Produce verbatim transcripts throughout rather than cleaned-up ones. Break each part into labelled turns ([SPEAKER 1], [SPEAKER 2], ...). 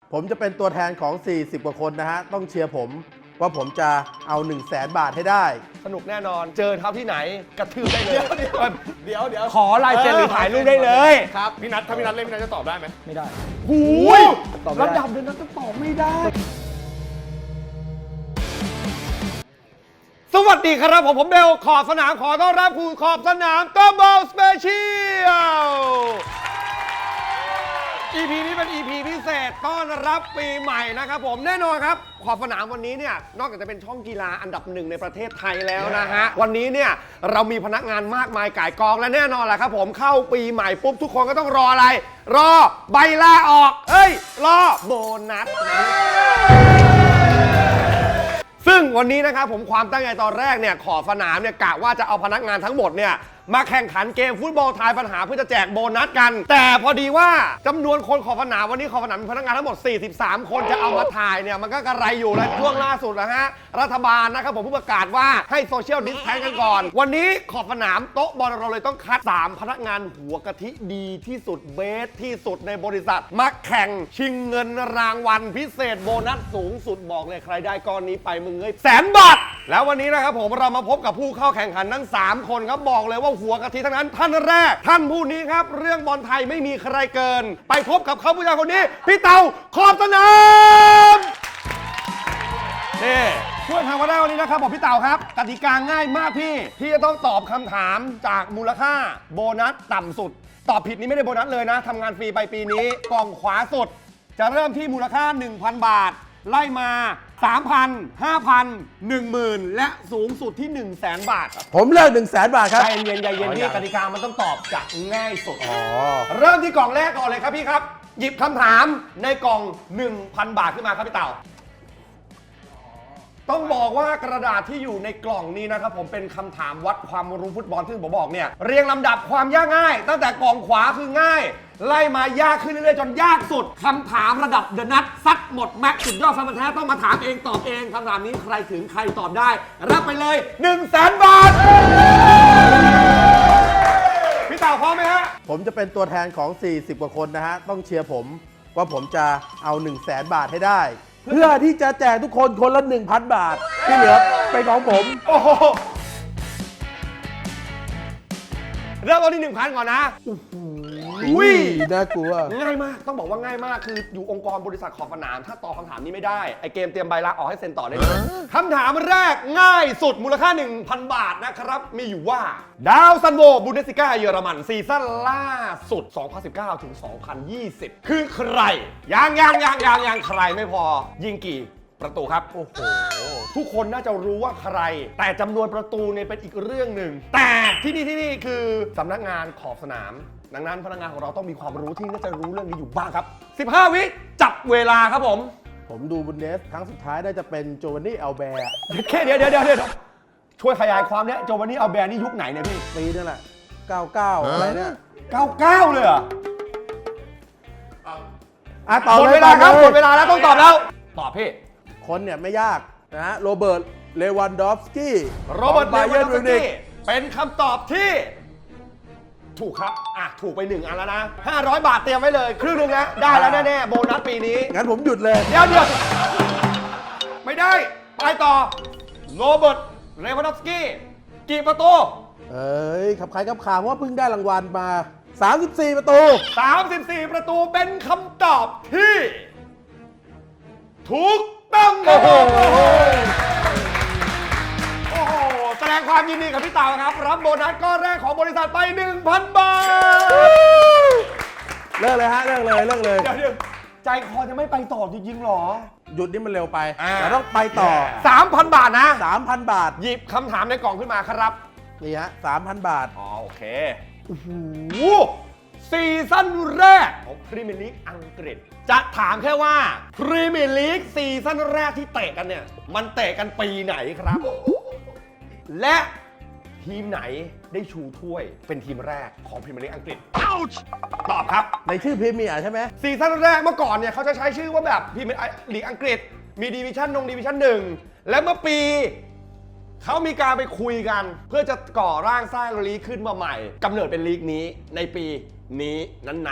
[SPEAKER 1] ผมจะเป็นตัวแทนของ สี่สิบ กว่าคนนะฮะ ต้องเชียร์ผมว่าผมจะเอา หนึ่งแสน บาทให้ได้
[SPEAKER 2] สนุกแน่นอน เจอเท้าที่ไหนกระทืบได้เลย
[SPEAKER 3] เดี๋ยวเดี๋ยวเดี๋ยว
[SPEAKER 2] ขอลายเซ็นหรือถ่ายรูปได้เลย
[SPEAKER 3] ครับพี่นัทถ้าพี่นัทเล่นพี่นัทจะตอบได้ไหม
[SPEAKER 4] ไม่ได้
[SPEAKER 2] หูย
[SPEAKER 4] ตอบไม่ได้
[SPEAKER 2] ระดับเดินนั้นก็ตอบไม่ได้ สวัสดีครับผมผมเบลขอบสนามขอต้อนรับคุณขอบสนามก็บอลสเปเชียล อี พี นี้เป็น อี พี พิเศษต้อนรับปีใหม่นะครับผมแน่นอนครับขอบสนามวันนี้เนี่ยนอกจากจะเป็นช่องกีฬาอันดับหนึ่งในประเทศไทยแล้วนะฮะวันนี้เนี่ยเรามีพนักงานมากมายก่ายกองและแน่นอนแหละครับผมเข้าปีใหม่ปุ๊บทุกคนก็ต้องรออะไร รอใบลาออกเอ้ยรอโบนัส ซึ่งวันนี้นะครับผมความตั้งใจตอนแรกเนี่ยขอบสนามเนี่ยกะว่าจะเอาพนักงานทั้งหมดเนี่ยมาแข่งขันเกมฟุตบอลทายปัญหาเพื่อจะแจกโบนัสกัน แต่พอดีว่าจำนวนคนขอบสนามวันนี้ขอบสนามมีพนักงานทั้งหมดสี่สิบสามคนจะเอามาถ่ายเนี่ยมันก็กระไรอยู่แล้วช่วงล่าสุดนะฮะรัฐบาลนะครับผมเพิ่งประกาศว่าให้โซเชียลดิสแทนกันก่อนวันนี้ขอบสนามโต๊ะบอลเราเลยต้องคัดสามพนักงานหัวกะทิดีที่สุดเบสที่สุดในบริษัทมาแข่งชิงเงินรางวัลพิเศษโบนัสสูงสุดบอกเลยใครได้ก้อนนี้ไปมึงเอ้ยแสนบาทแล้ววันนี้นะครับผมเรามาพบกับผู้เข้าแข่งขันทั้งสามคนครับบอกเลยว่าหัวกะทิทั้งนั้นท่านแรกท่านผู้นี้ครับเรื่องบอลไทยไม่มีใครเกินไปพบกับเขาผู้ชายคนนี้พี่เต่าขอบสนามนี่ช่วยทำมาได้วันนี้นะครับผมพี่เต่าครับกติกาง่ายมากพี่พี่จะต้องตอบคำถามจากมูลค่าโบนัสต่ำสุดตอบผิดนี้ไม่ได้โบนัสเลยนะทำงานฟรีไปปีนี้กล่องขวาสุดจะเริ่มที่มูลค่า หนึ่งพัน บาทไล่มา สามพัน ห้าพัน หนึ่งหมื่น และสูงสุดที่ หนึ่งแสน บาท
[SPEAKER 1] ผมเลือก หนึ่งแสน บาทครับ
[SPEAKER 2] ใจเย็นใจเย็นพี่กติกามันต้องตอบจากง่ายสุด
[SPEAKER 1] อ๋อ
[SPEAKER 2] เริ่มที่กล่องแรกก่อนเลยครับพี่ครับ หยิบคำถามในกล่อง หนึ่งพัน บาทขึ้นมาครับพี่เต่าต้องบอกว่ากระดาษที่อยู่ในกล่องนี้นะครับผมเป็นคำถามวัดความรู้ฟุตบอลที่ผมบอกเนี่ยเรียงลำดับความยากง่าย ตั้งแต่กล่องขวาคือง่าย ไล่มายากขึ้นเรื่อยๆจนยากสุดคำถามระดับเดอะนัทซัดหมดแม็กซ์สุดยอดแฟนแท้ต้องมาถามเองตอบเองคำถามนี้ใครถึงใครตอบได้รับไปเลย หนึ่งแสน บาทพี่เต่าพร้อมไหมฮะ
[SPEAKER 1] ผมจะเป็นตัวแทนของ สี่สิบ กว่าคนนะฮะ ต้องเชียร์ผมว่าผมจะเอา หนึ่งแสน บาทให้ได้ เพื่อที่จะแจกทุกคนคนละ หนึ่งพัน บาท ที่เหลือเป็นของผม
[SPEAKER 2] โอ้โหเริ่มต้นที่หนึ่งพันก่อนนะ
[SPEAKER 1] อุ้ยน่ากลัว
[SPEAKER 2] ง่ายมากต้องบอกว่าง่ายมากคืออยู่องค์กรบริษัทขอบสนามถ้าตอบคำถามนี้ไม่ได้ไอเกมเตรียมใบลาออกให้เซ็นต่อได้เลยคำถามแรกง่ายสุดมูลค่า หนึ่งพัน บาทนะครับมีอยู่ว่าดาวซันโวบุนเดสลิก้าเยอรมันซีซั่นล่าสุด สองพันสิบเก้า ถึง สองพันยี่สิบ คือใครยังยังยังยังยังใครไม่พอยิงกี่ประตูครับโอ้โหทุกคนน่าจะรู้ว่าใครแต่จำนวนประตูเนี่ยเป็นอีกเรื่องหนึ่งแต่ที่นี่ที่นี่คือสำนักงานขอบสนามดังนั้นพนักงานของเราต้องมีความรู้ที่น่าจะรู้เรื่องนี้อยู่บ้างครับสิบห้าวิจับเวลาครับผม
[SPEAKER 1] ผมดูบุนเดสครั้งสุดท้ายน่าจะเป็นโจวานนี่อัลแบร์
[SPEAKER 2] แค่เดี๋ยวเดี๋ยวเดี๋ยวเดี๋ยวช่วยขยายความเนี่ยโจวานนี่อัลแบร์นี่ยุคไหนเนี่ยพี่
[SPEAKER 1] ปีนั่นแหละ เก้าสิบเก้า อะไรเนี่ย
[SPEAKER 2] เก้าสิบเก้าเลยเหรอ
[SPEAKER 1] อ่ะตอบ
[SPEAKER 2] หมด
[SPEAKER 1] เลย
[SPEAKER 2] เวลาครับ
[SPEAKER 1] ตอบ
[SPEAKER 2] ห
[SPEAKER 1] ย
[SPEAKER 2] มดเวลาแล้วต้องตอบแล้วตอบพี่
[SPEAKER 1] คนเนี่ยไม่ยากนะฮะโรเบิร์ตเลวันดอฟสกี้
[SPEAKER 2] โรเบิร์ต
[SPEAKER 1] ไบ
[SPEAKER 2] เล
[SPEAKER 1] เย
[SPEAKER 2] วัน
[SPEAKER 1] น
[SPEAKER 2] ดอ
[SPEAKER 1] มิ
[SPEAKER 2] ฟ
[SPEAKER 1] ว
[SPEAKER 2] ส
[SPEAKER 1] นิก
[SPEAKER 2] กี้เป็นคำตอบที่ถูกครับอ่ะถูกไปหนึ่งอันแล้วนะห้าร้อยบาทเตรียมไว้เลยครึ่งหนึงนะได้แล้วแน่ๆโบนัสปีนี้
[SPEAKER 1] งั้นผมหยุดเลย
[SPEAKER 2] เดี๋ยวเดี๋ยวไม่ได้ไปต่อโรเบิร์ตเลวันดอฟสกี้กี่ประตู
[SPEAKER 1] เอ้ยขับใครขับข่าวเพราะว่าเพิ่งได้รางวัลมา สามสิบสี่ ประตู
[SPEAKER 2] สามสิบสี่ ประตูเป็นคำตอบที่ถูกต้องโอ้โหโอ้โหแสดงความยินดีกับพี่เต่าครับรับโบนัสก้อนแรกของบริษัทไป หนึ่งพัน บาท
[SPEAKER 1] เลิกเลยฮะเลิกเลยเลิกเลย
[SPEAKER 2] เดี๋ยวเดี๋ยวใจคอจะไม่ไปต่อจริงๆหรอ
[SPEAKER 1] หยุดนี่มันเร็วไป
[SPEAKER 2] อ่า
[SPEAKER 1] แต่ต้องไปต่อ
[SPEAKER 2] สามพัน บาทนะ
[SPEAKER 1] สามพัน บาท
[SPEAKER 2] หยิบคำถามในกล่องขึ้นมาครับ
[SPEAKER 1] นี่ฮะสามพัน บาท
[SPEAKER 2] อ๋อโอเคโอ้โหซีซั่นแรกของพรีเมียร์ลีกอังกฤษ จะถามแค่ว่าพรีเมียร์ลีกซีซั่นแรกที่เตะกันเนี่ย มันเตะกันปีไหนครับ และทีมไหนได้ชูถ้วยเป็นทีมแรกของพรีเมียร์ลีกอังกฤษตอบครับ
[SPEAKER 1] ในชื่อพรีเมียร์ใช่ไหม
[SPEAKER 2] ซีซั่นแรกเมื่อก่อนเนี่ยเขาจะใช้ชื่อว่าแบบพรีเมียร์ลีกอังกฤษ มีดิวิชั่นนงดิวิชั่นหนึ่งและเมื่อปี เขามีการไปคุยกันเพื่อจะก่อร่างสร้างลีกขึ้นมาใหม่กำเนิดเป็นลีกนี้ในปีนี้นั้น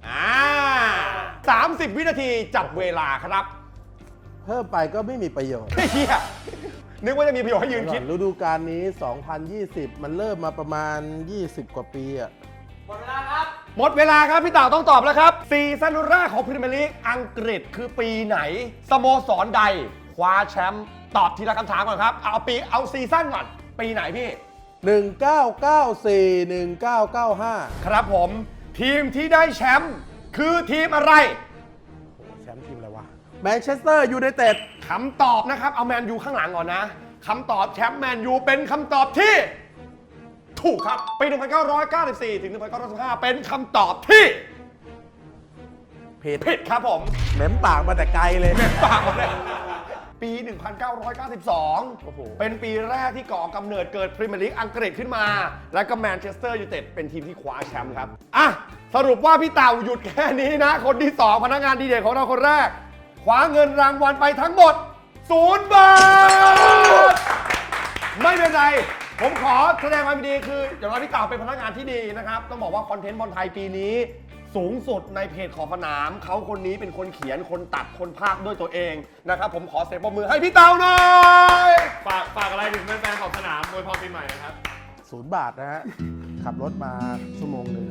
[SPEAKER 2] อ่าสามสิบวินาทีจับเวลาครับ
[SPEAKER 1] เพิ่มไปก็ไม่มีประโยชน์
[SPEAKER 2] เฮียนึกว่าจะมีประโยชน์ให้ยืนคิด
[SPEAKER 1] ฤดูกาลนี้ สองพันยี่สิบ มันเริ่มมาประมาณ ยี่สิบ กว่าปีอะ
[SPEAKER 2] หมดเวลาครับพี่เต่าต้องตอบแล้วครับซีซั่นแรกของพรีเมียร์ลีกอังกฤษคือปีไหนสโมสรใดคว้าแชมป์ตอบทีละคำถามก่อนครับเอาปีเอาซีซั่นก่อนปีไหนพี่
[SPEAKER 1] หนึ่งเก้าเก้าสี่ หนึ่งเก้าเก้าห้า
[SPEAKER 2] ครับผมทีมที่ได้แชมป์คือทีมอะไร
[SPEAKER 1] โอ้แชมป์ทีมอะไรวะ แมนเชสเตอร์ยูไนเต็ด
[SPEAKER 2] คำตอบนะครับเอาแมนยูข้างหลังก่อนนะคำตอบแชมป์แมนยูเป็นคำตอบที่ถูกครับปี หนึ่งพันเก้าร้อยเก้าสิบสี่ ถึง หนึ่งพันเก้าร้อยสิบห้า เป็นคำตอบที่
[SPEAKER 1] ผิด
[SPEAKER 2] ผิดครับผม
[SPEAKER 1] เหม็มปากมาแต่ไกลเลย
[SPEAKER 2] ปากหมดเลยปี หนึ่งพันเก้าร้อยเก้าสิบสอง
[SPEAKER 1] โอ้โห
[SPEAKER 2] เป็นปีแรกที่ก่อกำเนิดเกิดพรีเมียร์ลีกอังกฤษขึ้นมา และก็แมนเชสเตอร์ยูไนเต็ดเป็นทีมที่คว้าแชมป์ครับ อ่ะ สรุปว่าพี่เต่าหยุดแค่นี้นะ คนที่ สอง พนักงานดีเด่นของเราคนแรก คว้าเงินรางวัลไปทั้งหมดศูนย์บาท ไม่เป็นไร ผมขอแสดงความยินดีคืออย่างน้อยพี่เต่าเป็นพนักงานที่ดีนะครับ ต้องบอกว่าคอนเทนต์บอลไทยปีนี้ สูงสุดในเพจขอบสนาม เขาคนนี้เป็นคนเขียนคนตัดคนพากย์ด้วยตัวเองนะครับ ผมขอเสียงปรบมือให้พี่เต่าหน่อย
[SPEAKER 3] ฝากฝากอะไรถึงแฟนๆของสนามโดยพรปีใหม่นะครับ
[SPEAKER 1] ศูนย์บาทนะฮะ ขับรถมาชั่วโมงหนึ่ง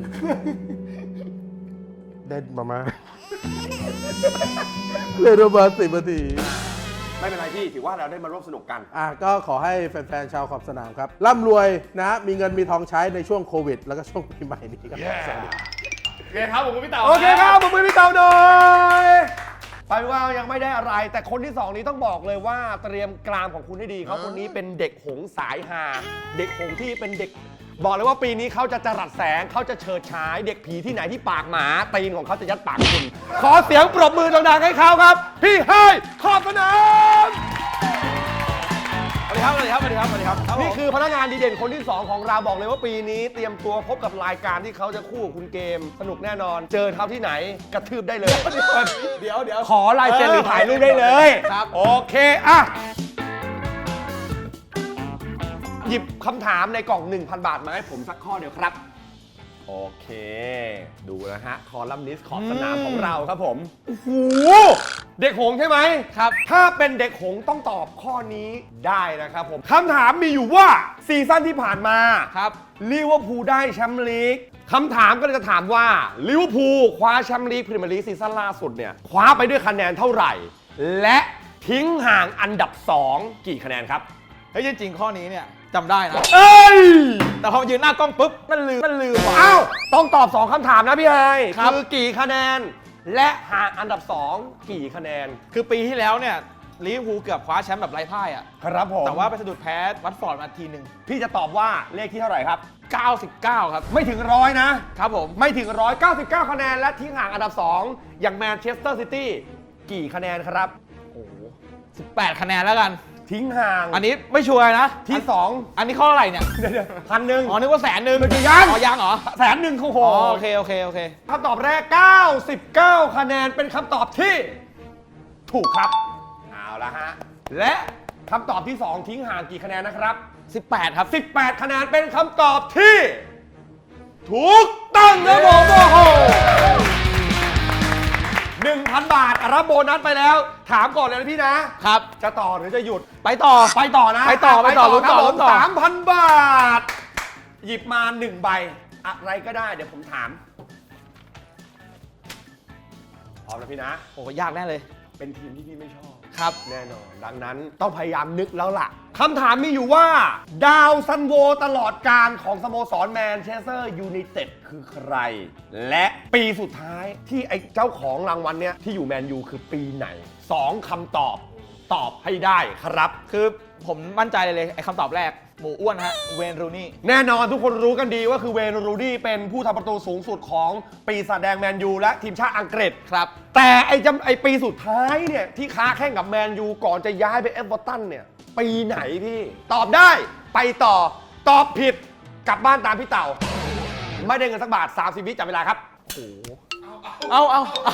[SPEAKER 1] เด่นประมาณ เล่นประมาณสิบนาที
[SPEAKER 2] ไม่เป็นไรพี่ถือว่าเราได้มาร่วมสนุกกัน
[SPEAKER 1] อ่ะก็ขอให้แฟนๆ ชาวขอบสนามครับ ร่ำรวยนะฮะ มีเงินมีทองใช้ในช่วงโควิด แล้วก็ช่วงปีใหม่นี้ครับ
[SPEAKER 2] Yeah
[SPEAKER 1] สวัสดี
[SPEAKER 3] โอเคครับผมกับพี่เต๋า
[SPEAKER 2] โอเคครับผมมือพี่เต่าหน่อยไปว่ายังไม่ได้อะไร แต่คนที่สองนี้ต้องบอกเลยว่าเตรียมกรามของคุณให้ดีเขาคนนี้เป็นเด็กหงสายฮาเด็กหงที่เป็นเด็ก บอกเลยว่าปีนี้เขาจะจรัสแสงเขาจะเฉิดฉาย เด็กผีที่ไหนที่ปากหมาตีนของเขาจะยัดปากคุณ ขอเสียงปรบมือดังๆให้เขาครับ พี่ไฮขอบสนามสวัสดีครับสวัสดีครับสวัสดีครับสวัสดีครับนี่คือพนักงานดีเด่นคนที่สองของเราบอกเลยว่าปีนี้เตรียมตัวพบกับรายการที่เขาจะคู่กับคุณเกม สนุกแน่นอน เจอเขาที่ไหนกระทืบได้เลย
[SPEAKER 3] เดี๋ยวเดี๋ยว
[SPEAKER 2] ขอลายเซ็นหรือถ่ายรูปได้เลย
[SPEAKER 3] ครับ
[SPEAKER 2] โอเคอ่ะหยิบคำถามในกล่อง หนึ่งพัน บาทมาให้ผมสักข้อเดียวครับ โอเค ดูนะฮะ คอลัมนิสต์ขอบสนามของเราครับผม โอ้โห เด็กหงส์ใช่ไหมครับ ถ้าเป็นเด็กหงส์ต้องตอบข้อนี้ได้นะครับผม คำถามมีอยู่ว่าซีซั่นที่ผ่านมาครับลิเวอร์พูลได้แชมป์ลีกคำถามก็เลยจะถามว่าลิเวอร์พูลคว้าแชมป์ลีกพรีเมียร์ลีกซีซั่นล่าสุดเนี่ยคว้าไปด้วยคะแนนเท่าไหร่ และทิ้งห่างอันดับสองกี่คะแนนครับ
[SPEAKER 4] เฮ้ยจริงๆข้อนี้เนี่ยจำได้นะ
[SPEAKER 2] เอ้ย
[SPEAKER 4] แต่พอยืนหน้ากล้องปุ๊บมันลืมมันลืมว่ะ
[SPEAKER 2] อ้าว ต้องตอบ สอง คำถามนะพี่ไฮ
[SPEAKER 4] ครับ
[SPEAKER 2] คือกี่คะแนน และห่างอันดับ สอง กี่คะแนน
[SPEAKER 4] คือปีที่แล้วเนี่ยลิเวอร์พูลเกือบคว้าแชมป์แบบไร้พ่ายอ่ะ
[SPEAKER 2] ครับผม
[SPEAKER 4] แต่ว่าไปสะดุดแพ้วัตฟอร์ดมาทีหนึ่ง
[SPEAKER 2] พี่จะตอบว่าเลขที่เท่าไหร่ครับ
[SPEAKER 4] เก้าสิบเก้าครับ
[SPEAKER 2] ไม่ถึงร้อยนะ
[SPEAKER 4] ครับผม
[SPEAKER 2] ไม่ถึงร้อยเก้าสิบเก้าคะแนน และทิ้งห่างอันดับ สอง อย่างแมนเชสเตอร์ซิตี้กี่คะแนนครับ
[SPEAKER 4] โอ้โหสิบแปดคะแนนแล้วกัน
[SPEAKER 2] ทิ้งห่าง
[SPEAKER 4] อันนี้ไม่ชัวร์นะ
[SPEAKER 2] ที่สอง
[SPEAKER 4] อันนี้ข้ออะไรเนี่ย
[SPEAKER 2] เดี๋ยวพันหนึ่ง
[SPEAKER 4] อ๋อนึกว่าแสนหนึ่ง
[SPEAKER 2] มันจะยัง
[SPEAKER 4] อ๋อยังเหรอ
[SPEAKER 2] แสนหนึ่งโอ้โห
[SPEAKER 4] อ๋อโอเคโอเคโอเค
[SPEAKER 2] คำตอบแรก เก้าสิบเก้า คะแนนเป็นคำตอบที่ ถูกครับ เอาละฮะ และคำตอบที่ สอง ทิ้งห่างกี่คะแนนนะครับ
[SPEAKER 4] สิบแปดครับ
[SPEAKER 2] สิบแปด คะแนนเป็นคำตอบที่ ถูกต้องนะผมโอ้โหหนึ่งพัน บาท รับโบนัสไปแล้ว ถามก่อนเลยนะพี่นะ
[SPEAKER 4] ครับ
[SPEAKER 2] จะต่อหรือจะหยุด
[SPEAKER 4] ไปต่อ
[SPEAKER 2] ไปต่อนะ
[SPEAKER 4] ไปต่อไปต่อลุ้นต่อ
[SPEAKER 2] ครับผม
[SPEAKER 4] ลุ้นต่อ
[SPEAKER 2] สามพัน บาท หยิบมาหนึ่งใบ อะไรก็ได้ เดี๋ยวผมถาม พร้อมนะพี่นะ
[SPEAKER 4] โอ้ยากแน่เลย
[SPEAKER 2] เป็นทีมที่พี่ไม่ชอบ
[SPEAKER 4] ครับ
[SPEAKER 2] แน่นอน ดังนั้นต้องพยายามนึกแล้วล่ะ คำถามมีอยู่ว่า ดาวซันโวตลอดการของสโมสรแมนเชสเตอร์ยูไนเต็ดคือใคร และปีสุดท้ายที่ไอ้เจ้าของรางวัลเนี้ยที่อยู่แมนยูคือปีไหน สอง คำตอบตอบให้ได้ครับ
[SPEAKER 4] คือผมมั่นใจเลยเลยไอ้คำตอบแรกหมูอ้วนฮะเวนรูนี่
[SPEAKER 2] แน่นอนทุกคนรู้กันดีว่าคือเวย์นรูดี้เป็นผู้ทำประตูสูงสุดของปีศาจแดงแมนยูและทีมชาติอังกฤษ
[SPEAKER 4] ครับ
[SPEAKER 2] แต่ไอ้จำไอ้ปีสุดท้ายเนี่ยที่ค้าแข่งกับแมนยูก่อนจะย้ายไปเอฟเวอร์ตันเนี่ยปีไหนพี่ ตอบได้ไปต่อตอบผิดกลับบ้านตามพี่เต่า ไม่ได้เงินสักบาท สามสิบ วิจับเวลาครับ
[SPEAKER 4] เอาเอาเอา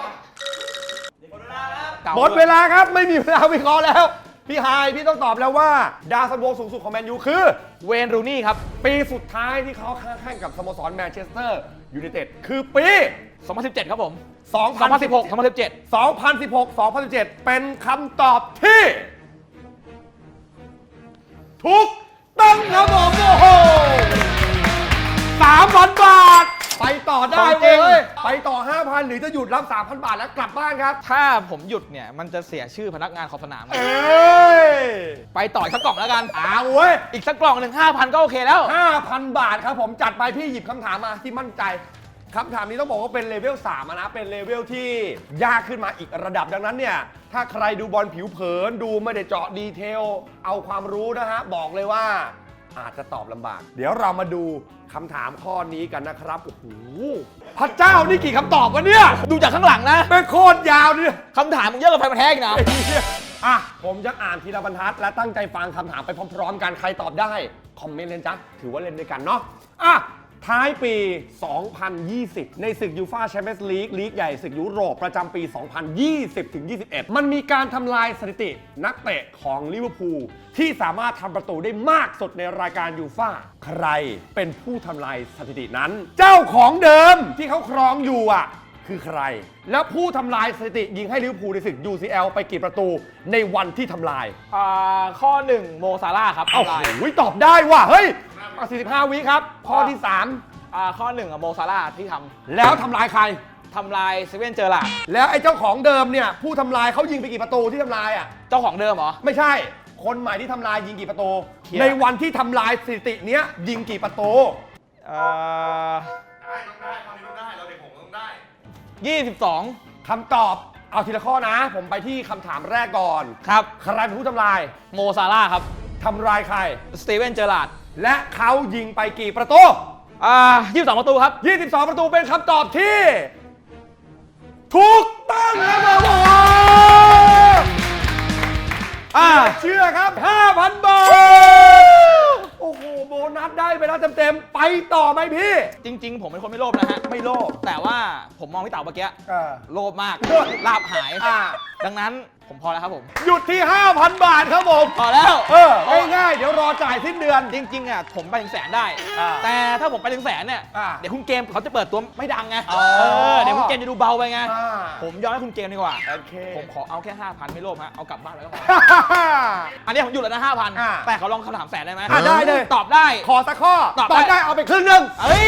[SPEAKER 4] ก่
[SPEAKER 2] หมดเวลาครับไม่มีเวลาวิเคราะห์แล้ว พี่ไฮายพี่ต้องตอบแล้วว่าดาวซันโวสูงสุดของแมนยูคือ
[SPEAKER 4] เวนรูนี่ครับ
[SPEAKER 2] ปีสุดท้ายที่เขาค้าแข่งกับสโมสรแมนเชสเตอร์ยูไนเต็ดคือปี
[SPEAKER 4] สองพันสิบเจ็ดครับผม
[SPEAKER 2] สอง
[SPEAKER 4] สองพันสิบหก สองพันสิบเจ็ด
[SPEAKER 2] สองพันสิบหก สองพันสิบเจ็ด เป็นคำตอบที่ถูกต้องครับผมโอ้โหสามพันบาท ไปต่อได้
[SPEAKER 4] ของจ
[SPEAKER 2] เล
[SPEAKER 4] ริง
[SPEAKER 2] ย ไปต่อ ห้าพัน หรือจะหยุดรับ สามพัน บาทแล้วกลับบ้านครับ
[SPEAKER 4] ถ้าผมหยุดเนี่ยมันจะเสียชื่อพนักงานขอบสนาม
[SPEAKER 2] เอ้ย
[SPEAKER 4] ไปต่ออีกสักกล่องแล้วกัน
[SPEAKER 2] เอาเว้ย
[SPEAKER 4] อีกสักกล่องหนึ่งห้าพันก็โอเคแล้ว
[SPEAKER 2] ห้าพัน บาทครับผมจัดไปพี่หยิบคำถามมาที่มั่นใจคำถามนี้ต้องบอกว่าเป็นเลเวลสามอะนะเป็นเลเวลที่ยากขึ้นมาอีกระดับดังนั้นเนี่ยถ้าใครดูบอลผิวเผินดูไม่ได้เจาะดีเทลเอาความรู้นะฮะบอกเลยว่าอาจจะตอบลำบาก เดี๋ยวเรามาดูคำถามข้อนี้กันนะครับโอ้โหพระเจ้านี่กี่คำตอบวะเนี่ย
[SPEAKER 4] ดูจากข้างหลังนะ
[SPEAKER 2] เป็นโคตรยาวเนี่ย
[SPEAKER 4] คำถามมึงเยอะกว่าไฟมันแท้อีกนะ
[SPEAKER 2] อ่ะผมจะอ่านทีละบรรทัดและตั้งใจฟังคำถามไปพร้อมๆกันใครตอบได้คอมเมนต์เลยจ้ะถือว่าเล่นด้วยกันเนาะอ่ะท้ายปี สองพันยี่สิบ ในศึกยูฟ่าแชมเปี้ยนส์ลีกลีกใหญ่ศึกยุโรปประจำปี สองพันยี่สิบถึงยี่สิบเอ็ด มันมีการทำลายสถิตินักเตะของลิเวอร์พูลที่สามารถทำประตูได้มากสุดในรายการยูฟ่าใครเป็นผู้ทำลายสถิตินั้น เจ้าของเดิมที่เขาครองอยู่อ่ะคือใคร แล้วผู้ทำลายสถิติยิงให้ลิเวอร์พูลในศึก ยู ซี แอล ไปกี่ประตูในวันที่ทำลาย
[SPEAKER 4] อ่าข้อหนึ่งโมซาร่าห์ครับ
[SPEAKER 2] เอ้า
[SPEAKER 4] ทำลาย
[SPEAKER 2] โอ้ยตอบได้ว่ะเฮ้ยเอาสี่สิบห้าวิครับข้อที่สาม
[SPEAKER 4] อ่าข้อหนึ่งอะโมซาร่าห์ที่ท
[SPEAKER 2] แล้วทำลายใคร
[SPEAKER 4] ำทำลายเซเว่นเจอร์ลาร์ด
[SPEAKER 2] แล้วไอ้เจ้าของเดิมเนี่ยผู้ทำลายเขายิงไปกี่ประตูที่ทำลายอ่ะ
[SPEAKER 4] เจ้าของเดิมเหรอ
[SPEAKER 2] ไม่ใช่ คนใหม่ที่ทำลายยิงกี่ประตู
[SPEAKER 4] เคลียร์
[SPEAKER 2] ในวันที่ทำลายสถิติเนี้ยยิงกี่ประตู
[SPEAKER 4] อ่า
[SPEAKER 3] ได้ต้องได้ตอนนี้ต้องได้ เราเด็กผมต้องได้
[SPEAKER 4] ยี่สิบสอง
[SPEAKER 2] คำตอบเอาทีละข้อนะ ผมไปที่คำถามแรกก่อน
[SPEAKER 4] ครับ
[SPEAKER 2] ใครเป็นผู้ทำลาย
[SPEAKER 4] โมซาร่าห์ครับ
[SPEAKER 2] ทำลายใคร
[SPEAKER 4] สตีเวนเจอร์ลาร์ด
[SPEAKER 2] และเขายิงไปกี่ประตู
[SPEAKER 4] อ่ายี่สิบสองประตูครับ
[SPEAKER 2] ยี่สิบสอง ประตูเป็นคำตอบที่ถูกต้องครับผม
[SPEAKER 4] อ่า
[SPEAKER 2] เชื่อครับ ห้าพัน บาท โอ้โห โบนัสได้ไปแล้วเต็มๆ ไปต่อไหมพี่
[SPEAKER 4] จริง ๆ ผมเป็นคนไม่โลภนะฮะ
[SPEAKER 2] ไม่โลภ
[SPEAKER 4] แต่ว่าผมมองพี่เต๋าเมื่อกี้
[SPEAKER 2] อ่า
[SPEAKER 4] โลภมาก
[SPEAKER 2] โลภ
[SPEAKER 4] ลาบหาย
[SPEAKER 2] อ่า
[SPEAKER 4] ดังนั้นผมพอแล้วครับผม
[SPEAKER 2] หยุดที่ ห้าพัน บาทครับผม
[SPEAKER 4] พอแล้ว
[SPEAKER 2] เออ ง่ายๆ เดี๋ยวรอจ่ายสิ้นเดือน
[SPEAKER 4] จริงๆอ่ะผมไปถึงแสนได้
[SPEAKER 2] อ่า
[SPEAKER 4] แต่ถ้าผมไปถึงแสนเนี่ย
[SPEAKER 2] อ่า
[SPEAKER 4] เดี๋ยวคุณเกมเขาจะเปิดตัวไม่ดังไง
[SPEAKER 2] อ๋อ
[SPEAKER 4] เออเดี๋ยวคุณเกมจะดูเบาไปไง
[SPEAKER 2] อ่า
[SPEAKER 4] ผมยอมให้คุณเกมดีกว่า
[SPEAKER 2] โอเค
[SPEAKER 4] ผมขอเอาแค่ห้าพันไม่โลภฮะเอากลับบ้านไปก็พอ อันนี้ผมหยุดแล้วนะห้าพัน
[SPEAKER 2] อ่า
[SPEAKER 4] แต่เขาลองคำถามแสนได้ไหม
[SPEAKER 2] อ่ะได้เลย
[SPEAKER 4] ตอบได้
[SPEAKER 2] ขอสักข้อ
[SPEAKER 4] ตอบได้
[SPEAKER 2] ได้เอาไปครึ่งหนึง
[SPEAKER 4] เอ้ย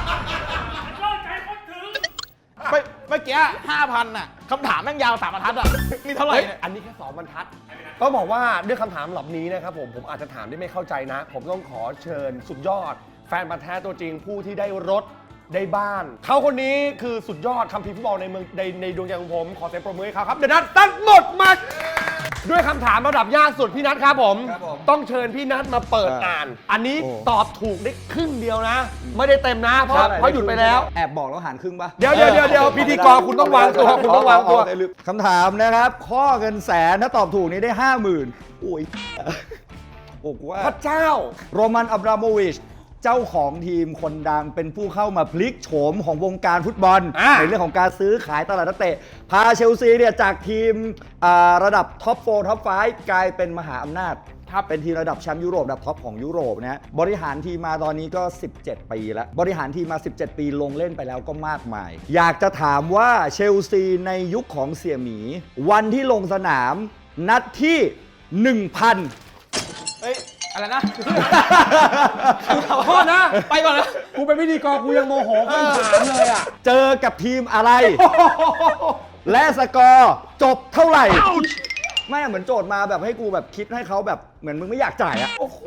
[SPEAKER 4] เมื่อเมื่อกี้ห้าพันน่ะคำถามแม่งยาวสามบรรทัดอ่ะนี่เท่าไหร่
[SPEAKER 2] เฮ้ย
[SPEAKER 4] เนี่ย
[SPEAKER 2] อันนี้แค่สองบรรทัดต้องบอกว่าด้วยคำถามเหล่านี้นะครับผม ผมอาจจะถามได้ไม่เข้าใจนะ ผมต้องขอเชิญสุดยอด แฟนพันธุ์แท้ตัวจริงผู้ที่ได้รถได้บ้าน เขาคนนี้คือสุดยอดคัมภีร์ฟุตบอลในเมืองในในดวงใจของผม ขอเสียงปรบมือให้เขาครับ เดยวนัทตั้งหมดมา ด้วยคำถามระดับยากสุดพี่นัทครับผม
[SPEAKER 1] ครับผม
[SPEAKER 2] ต้องเชิญพี่นัทมาเปิด
[SPEAKER 1] อ่า
[SPEAKER 2] อ่าน อันนี้
[SPEAKER 1] โอ้
[SPEAKER 2] ตอบถูกได้ครึ่งเดียวนะ ไม่ได้เต็มนะ เพราะเพราะหยุดไปแล้ว
[SPEAKER 5] แอบบอกแล้วหารครึ่งปะ
[SPEAKER 2] เดี๋ยวเดี๋ยวเดี๋ยวเดี๋ยวพิธีกรคุณต้องวางตัวคุณต้องวางตัว
[SPEAKER 5] คำถามนะครับ ข้อเงินแสนถ้าตอบถูกนี้ได้ห้าหมื่นโอ้ยโอ้กว่า
[SPEAKER 2] พระเจ้า
[SPEAKER 5] โรมันอับราโมวิช เจ้าของทีมคนดังเป็นผู้เข้ามาพลิกโฉมของวงการฟุตบอล
[SPEAKER 2] อ่า
[SPEAKER 5] ในเรื่องของการซื้อขายตลาดนักเตะ พาเชลซีเนี่ยจากทีมอ่าระดับท็อปโฟร์ท็อปไฟว์กลายเป็นมหาอำนาจ ถ้าเป็นทีมระดับแชมป์ยุโรประดับท็อปของยุโรปนะฮะบริหารทีมมาตอนนี้ก็ สิบเจ็ด ปีแล้ว บริหารทีมมา สิบเจ็ด ปีลงเล่นไปแล้วก็มากมาย อยากจะถามว่าเชลซีในยุคของเสี่ยหมี วันที่ลงสนามนัดที่ หนึ่งพัน
[SPEAKER 4] เฮ้ยอะไรนะ
[SPEAKER 2] ขอโทษนะ
[SPEAKER 4] ไปก่อนนะ
[SPEAKER 2] กูเป็นพิธีกรกูยังโมโหคำถามเลยอ่ะ
[SPEAKER 5] เจอกับทีมอะไร และสกอร์จบเท่าไหร่ ไม่เหมือนโจทย์มาแบบให้กูแบบคิดให้เขาแบบเหมือนมึงไม่อยากจ่ายอะ
[SPEAKER 2] โอ้โห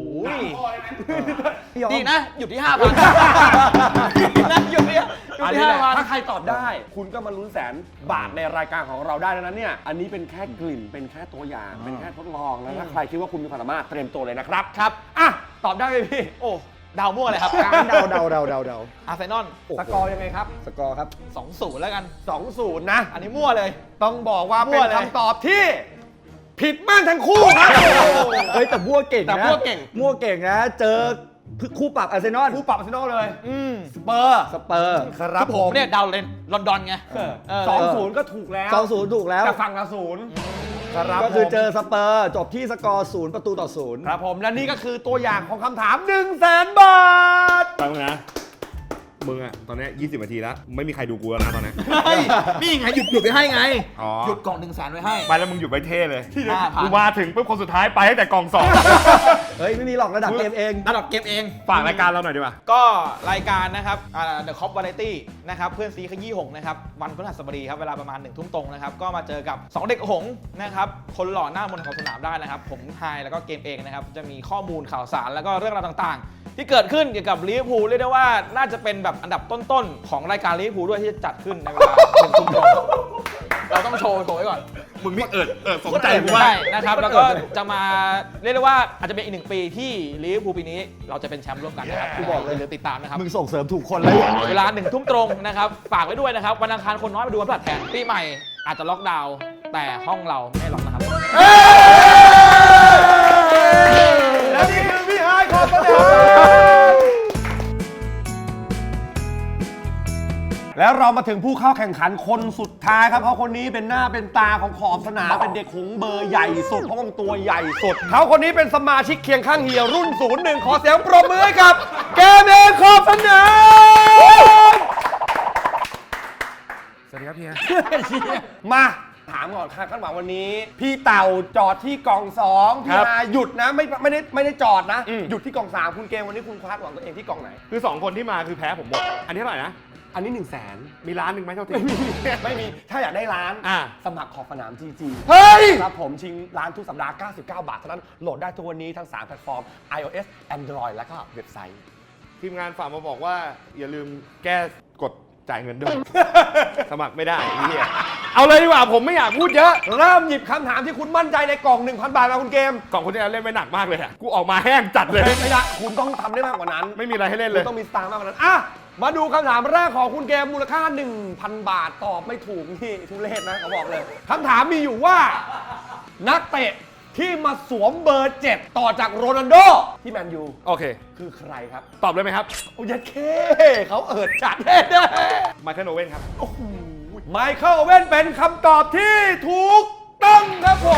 [SPEAKER 4] ดีนะ หยุดที่ห้าพันนะหยุดที่หยุด
[SPEAKER 2] อัน
[SPEAKER 4] ที่
[SPEAKER 2] นี้แห
[SPEAKER 4] ห้า
[SPEAKER 2] ละ
[SPEAKER 4] พัน
[SPEAKER 2] ถ้าใครตอบได้ คุณก็มาลุ้นแสนบาทในรายการของเราได้แล้วนั้นเนี่ย อันนี้เป็นแค่กลิ่น เป็นแค่ตัวอย่าง เป็นแค่ทดลองแล้วถ้าใครคิดว่าคุณมีความสามารถเตรียมตัวเลยนะครับ
[SPEAKER 4] ครับ
[SPEAKER 2] อ่ะ ตอบได้ไหมพี่
[SPEAKER 4] โอ้ดาวมั่วเลยครับ
[SPEAKER 5] เดาเดาเดาเดาเดา
[SPEAKER 4] อาร์เซนอล
[SPEAKER 2] สกอร์ยังไงครับ
[SPEAKER 5] สกอร์ครับ
[SPEAKER 4] สองศูนย์แล้วกัน
[SPEAKER 2] สองศูนย์นะ
[SPEAKER 4] อันนี้มั่วเลย
[SPEAKER 2] ต้องบอกว่า
[SPEAKER 4] มั่
[SPEAKER 2] เป็น
[SPEAKER 4] วเลย
[SPEAKER 2] คำตอบที่ ผิดม่านทั้งคู่ครับ
[SPEAKER 5] เฮ้ยแต่มั่วเก่งนะ
[SPEAKER 2] แต่มั่วเก่ง
[SPEAKER 5] มั่วเก่งนะ เจอคู่ปรับอาร์เซนอล
[SPEAKER 2] คู่ปรับอาร์เซนอลเลย
[SPEAKER 4] อืม
[SPEAKER 2] สเปอร์
[SPEAKER 5] สเปอร์
[SPEAKER 2] ครับ
[SPEAKER 4] ผม เนี่ยดาวเลนลอนดอนไง
[SPEAKER 2] เออ
[SPEAKER 4] เออ
[SPEAKER 2] สองศูนย์ก็ถูกแล้ว
[SPEAKER 5] สองศูนย์ถูกแล้ว
[SPEAKER 2] แต่ฝั่งละศูนย์ครับ
[SPEAKER 5] ก็คือ
[SPEAKER 2] ผม
[SPEAKER 5] เจอสเปอร์จบที่สกอร์ศูนย์ประตูต่อศูนย์
[SPEAKER 2] ครับผมและนี่ก็คือตัวอย่างของคำถาม1 0 0 0 0แสนบาท
[SPEAKER 3] ฟังนะ
[SPEAKER 2] มึงอะตอนนี้ยี่สิบนาทีแล้วไม่มีใครดูกูแล้วนะตอนนี้
[SPEAKER 4] เฮ้ยนี่ไงหยุดหยุดไปให้ไง
[SPEAKER 2] อ๋อ
[SPEAKER 4] หยุดกล่องหนึ่งแสนไว้ให้
[SPEAKER 2] ไปแล้วมึงหยุดไปเท่เลย
[SPEAKER 4] ห้าพัน
[SPEAKER 2] กูมาถึงปุ๊บคนสุดท้ายไปตั้งแต่กล่องสอง
[SPEAKER 5] เฮ้ย ไม่มีหรอกระดับเกมเอง
[SPEAKER 4] ระดับเกมเอง
[SPEAKER 2] ฝากรายการเราหน่อยดีกว่า
[SPEAKER 4] ก็รายการนะครับอ่า The Cop Variety นะครับเพื่อนซีขยี้หงส์นะครับวันพฤหัสบดีครับเวลาประมาณหนึ่งทุ่มตรงนะครับก็มาเจอกับสองเด็กหงส์นะครับคนหล่อหน้ามนต์ของสนามได้นะครับผมไฮแล้วก็เกมเองนะครับจะมีข้อมูลข่าวสารแล้วก็เรื่องราวต่างๆ ที่เกิดขึ้นเกี่ยวกับลิเวอร์พูลเรียกได้ว่าน่าจะเป็นแบบอันดับต้นๆของรายการลิเวอร์พูลด้วยที่จะจัดขึ้นในเวลาหนึ่งทุ่มตรงเราต้องโชว์โชว์ไว้ก่อน
[SPEAKER 2] มึงไม่เอิดเอิดสนใจ
[SPEAKER 4] ใช่
[SPEAKER 2] กูว่า
[SPEAKER 4] นะครับแล้วก็จะมาเรียกได้ว่าอาจจะเป็นอีกหนึ่งปีที่ลิเวอร์พูลปีนี้เราจะเป็นแชมป์ร่วมกันนะครับ
[SPEAKER 2] Yeah
[SPEAKER 4] กูบอกเลยเดี๋ยวติดตามนะครับ
[SPEAKER 5] มึงส่งเสริมถูกคนเลย
[SPEAKER 4] เวลาหนึ่งทุ่มตรงนะครับฝากไว้ด้วยนะครับวันอังคารคนน้อยมาดูวันพฤหัสแทนปีใหม่อาจจะล็อกดาวน์แต่ห้องเราไม่ล็อกนะครับ
[SPEAKER 2] และนี่คือพี่ไฮขอบสนามแล้วเรามาถึงผู้เข้าแข่งขันคนสุดท้ายครับเพราะคนนี้เป็นหน้าเป็นตาของขอบสนามเป็นเด็กหงส์เบอร์ใหญ่สุดเพราะว่ามันตัวใหญ่สุดเขาคนนี้เป็นสมาชิกเคียงข้างเฮียรุ่นศูนย์หนึ่งขอเสียงปรบมือให้กับเกมเองขอบสนามสวัสดีครับเฮีย มาถามก่อนค่ะขั้นหวังวันนี้ พี่เต่าจอดที่กล่องสองพี่นาหยุดนะไม่ไม่ได้ไม่ได้จอดนะ หยุดที่กล่องสามคุณเกมวันนี้คุณคาดหวังตัวเองที่กล่องไหน
[SPEAKER 3] คือสองคนที่มาคือแพ้ผมหมด อันนี้เท่าไหร่นะ
[SPEAKER 2] อันนี้หนึ่งแสน
[SPEAKER 3] มีร้านหนึ่งไหมเท่าที่
[SPEAKER 2] ไม่มี ถ้าอยากได้ร้าน
[SPEAKER 3] อ่า
[SPEAKER 2] สมัครขอบสนาม จี จี
[SPEAKER 3] เฮ้ย
[SPEAKER 2] ครับผมชิงร้านทุกสัปดาห์ เก้าสิบเก้า บาทเท่านั้น โหลดได้ทุกวันนี้ทั้งสามแพลตฟอร์ม iOS Android แล้วก็เว็บไซต์
[SPEAKER 3] ทีมงานฝากมาบอกว่าอย่าลืมแก้กดจ่ายเงินด้วย สมัครไม่ได้ไอ้เหี้ยเอาเลยดีกว่าผมไม่อยากพูดเยอะ
[SPEAKER 2] เริ่มหยิบคำถามที่คุณมั่นใจในกล่อง หนึ่งพัน บาทมาคุณเกม
[SPEAKER 3] กล่องคนที่แล้วเล่นไม่หนักมากเลยอะกูออกมาแห้งจัดเลย
[SPEAKER 2] ไม่ได้คุณต้องทำได้มากกว่านั้น
[SPEAKER 3] ไม่มีอะไรให้เล่น
[SPEAKER 2] คุ
[SPEAKER 3] เล
[SPEAKER 2] ณ
[SPEAKER 3] ย
[SPEAKER 2] ต้องมีสตางค์มากกว่านั้น อ่ะ มาดูคำถามแรกของคุณเกมมูลค่า หนึ่งพัน บาทตอบไม่ถูกนี่ทุเรศนะเขาบอกเลยคำถามมีอยู่ว่า นักเตะที่มาสวมเบอร์เจ็ดต่อจากโรนัลโดที่แมนยู
[SPEAKER 3] โอเค
[SPEAKER 2] คือใครครับ
[SPEAKER 3] ตอบเลยไหมครับ
[SPEAKER 2] โอ้ยดเคเขาเอิดจัดแน่
[SPEAKER 3] ไมเคิลโอเว่นครับ
[SPEAKER 2] ไมเคิลเว่นเป็นคำตอบที่ถูกต้องครับผม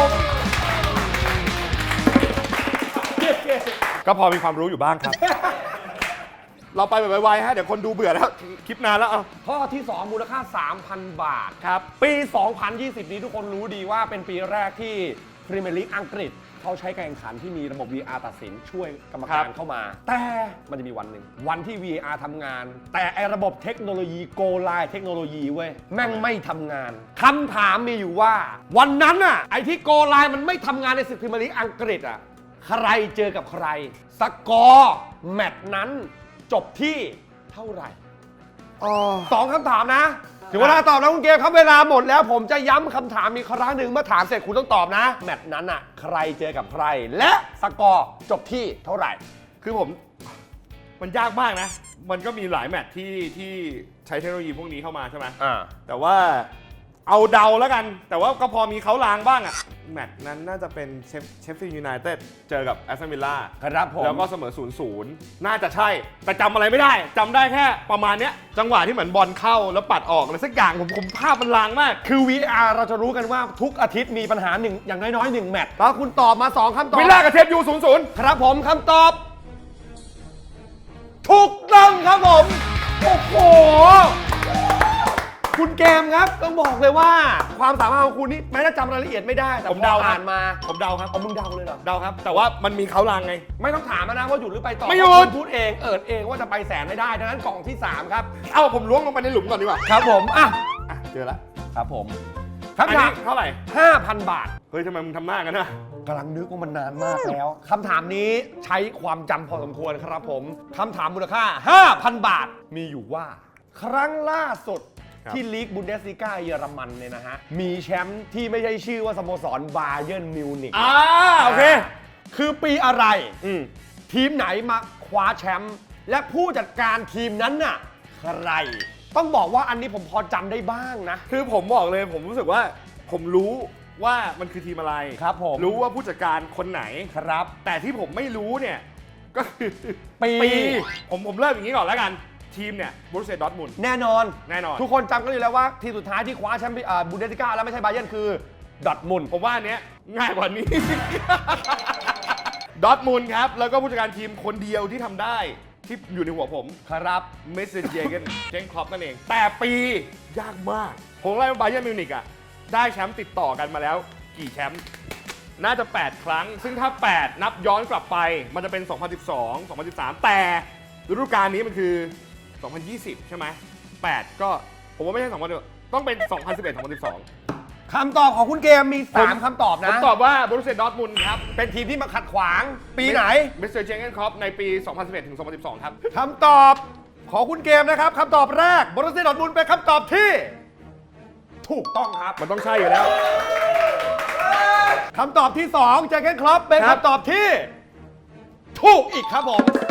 [SPEAKER 3] ก็พอมีความรู้อยู่บ้างครับ เราไปแบบไวๆฮะเดี๋ยวคนดูเบื่อแล้วคลิปนานแล้วเอา
[SPEAKER 2] ข้อที่ สอง มูลค่า สามพัน บาท
[SPEAKER 3] ครับ
[SPEAKER 2] ปี สองพันยี่สิบ นี้ทุกคนรู้ดีว่าเป็นปีแรกที่พรีเมียร์ลีกอังกฤษเขาใช้การแข่งขันที่มีระบบ วี อาร์ ตัดสินช่วยกรรมการเข้ามา แต่มันจะมีวันหนึ่งวันที่ วี อาร์ ทำงาน แต่ไอระบบเทคโนโลยีโกไลน์เทคโนโลยีเว้ยแม่งไม่ทำงานคำถามมีอยู่ว่า วันนั้นอะไอที่โกไลน์มันไม่ทำงานในศึกพรีเมียร์ลีกอังกฤษอะใครเจอกับใครสกอร์แมตช์นั้นจบที่เท่าไหร่สองคำถามนะถึงเวลาตอบแล้วคุณเกมครับเวลาหมดแล้วผมจะย้ำคำถามอีกครั้งหนึ่งเมื่อถามเสร็จคุณต้องตอบนะ แมตช์นั้นอ่ะใครเจอกับใคร และสกอร์จบที่เท่าไหร่
[SPEAKER 3] คือผมมันยากมากนะ มันก็มีหลายแมตช์ที่ที่ใช้เทคโนโลยีพวกนี้เข้ามาใช่ไหม
[SPEAKER 2] อ่า
[SPEAKER 3] แต่ว่าเอาเดาแล้วกัน แต่ว่าก็พอมีเขาลางบ้างอะแมตช์นั้นน่าจะเป็นเชฟเชฟฟิลด์ยูไนเต็ดเจอกับแอสตันวิลล่า
[SPEAKER 2] ครับผม
[SPEAKER 3] แล้วก็เสมอ ศูนย์ ศูนย์ น่าจะใช่ แต่จำอะไรไม่ได้จำได้แค่ประมาณเนี้ยจังหวะที่เหมือนบอลเข้าแล้วปัดออกอะไรสักอย่างผมผมภาพมันลางมาก
[SPEAKER 2] คือ วี อาร์ เราจะรู้กันว่าทุกอาทิตย์มีปัญหาหนึ่งอย่างน้อยๆหนึ่งแมตช์แล้วคุณตอบมาสองคำตอบ
[SPEAKER 3] วิลล่ากับเทปยู ศูนย์ ศูนย์
[SPEAKER 2] ครับผมคำตอบ ถูกต้องครับผม โอ้โห คุณเกมครับต้องบอกเลยว่า ความสามารถของคุณนี่แม้จะจำรายละเอียดไม่ได้ แต่
[SPEAKER 3] ผมเดา
[SPEAKER 2] พออ่านมา
[SPEAKER 3] ผมเดาครับ
[SPEAKER 2] เอามึงเดาเลยเหรอ
[SPEAKER 3] เดาครับ แต่ว่ามันมีเขาลางไง
[SPEAKER 2] ไม่ต้องถามนะว่าหยุดหรือไปต่อ
[SPEAKER 3] ไม่หยุด
[SPEAKER 2] คุณพูดเองเอิดเองว่าจะไปแสนไม่ได้ดังนั้นกล่องที่ สาม ครับ
[SPEAKER 3] เอ้าผมล้วงลงไปในหลุมก่อนดีกว่า
[SPEAKER 2] ครับผมอ่ะ
[SPEAKER 3] อ่ะเจอแล้ว
[SPEAKER 2] ครับผม
[SPEAKER 3] อัน
[SPEAKER 2] คำถา
[SPEAKER 3] นี้
[SPEAKER 2] ม
[SPEAKER 3] เท่าไหร่
[SPEAKER 2] ห้าพัน บาท
[SPEAKER 3] เฮ้ยทำไมมึงทำหน้ากันนะ
[SPEAKER 2] กำลังนึกว่ามันนานมากแล้วคำถามนี้ใช้ความจำพอสมควรครับผมคำถามมูลค่า ห้าพัน บาท มีอยู่ว่า ครั้งล่าสุด
[SPEAKER 3] ครับ
[SPEAKER 2] ที่ลีกบุนเดสลีกาเยอรมันเนี่ยนะฮะ มีแชมป์ที่ไม่ใช่ชื่อว่าสโมสรบาเยิร์นมิวนิก
[SPEAKER 3] อ่าโอเค
[SPEAKER 2] คือปีอะไร
[SPEAKER 3] อืม
[SPEAKER 2] ทีมไหนมาคว้าแชมป์และผู้จัดการทีมนั้นน่ะใคร ต้องบอกว่าอันนี้ผมพอจำได้บ้างนะ
[SPEAKER 3] คือผมบอกเลยผมรู้สึกว่าผมรู้ว่ามันคือทีมอะไร
[SPEAKER 2] ครับผม
[SPEAKER 3] รู้ว่าผู้จัดการคนไหน
[SPEAKER 2] ครับ
[SPEAKER 3] แต่ที่ผมไม่รู้เนี่ยก็คือ
[SPEAKER 2] ปี
[SPEAKER 3] ผมผมเริ่มอย่างนี้ก่อนแล้วกัน ทีมเนี่ยบรูเซ่ดอร์ทมุนด์
[SPEAKER 2] แน่นอน
[SPEAKER 3] แน่นอน
[SPEAKER 2] ทุกคนจำกันอยู่แล้วว่าทีมสุดท้ายที่คว้าแชมป์อ่าบุนเดสลิก้าแล้วไม่ใช่บาเยิร์นคือดอร์ทมุนด์
[SPEAKER 3] ผมว่าอันเนี้ยง่ายกว่านี้ ดอร์ทมุนด์ครับ แล้วก็ผู้จัดการทีมคนเดียวที่ทำได้ที่อยู่ในหัวผม
[SPEAKER 2] ครับ
[SPEAKER 3] เมสเซนเจเกนเจนครอปนั่นเอง แต่ปียากมาก ผมไล่บาเยิร์นมิวนิกอ่ะ ได้แชมป์ติดต่อกันมาแล้วกี่แชมป์น่าจะ แปด ครั้ง ซึ่งถ้า แปด นับย้อนกลับไปมันจะเป็น สองพันสิบสอง สองพันสิบสาม แต่ฤดูกาลนี้มันคือ สองพันยี่สิบ ใช่ไหม แปด ก็ผมว่าไม่ใช่สองพันต้องเป็น สองพันสิบเอ็ด สองพันสิบสอง
[SPEAKER 2] คำตอบของคุณเกมมี สาม คำตอบ
[SPEAKER 3] ผ
[SPEAKER 2] นะ
[SPEAKER 3] มตอบว่าบรูเซียดอร์ทมุนด์ครับ
[SPEAKER 2] เป็นทีมที่มาขัดขวาง ปีไหน
[SPEAKER 3] เมสเซนเจเกนครอปในปี สองพันสิบเอ็ด ถึง สองพันสิบสอง ครับ
[SPEAKER 2] คำตอบของคุณเกมนะครับคำตอบแรกบรูเซียดอร์ทมุนด์เป็นคำตอบที่ ถูกต้องครับ
[SPEAKER 3] มันต้องใช่อยู่แล้ว
[SPEAKER 2] คำตอบที่2เจอร์เกนคล็อปเป็น
[SPEAKER 3] ครับ
[SPEAKER 2] คำตอบที่ ถูกอีกครับผม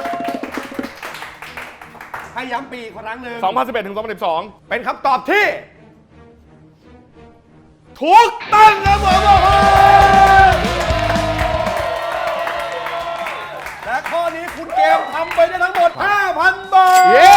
[SPEAKER 2] ให้ย้ำปีอีกครั้งหนึ่ง
[SPEAKER 3] สองพันสิบเอ็ด ถึง สองพันสิบสอง
[SPEAKER 2] เป็นคำตอบที่ ถูกต้องครับผมโอ้โหและข้อนี้คุณเกมทำไปได้ทั้งหมด ห้าพัน บาท
[SPEAKER 3] เย้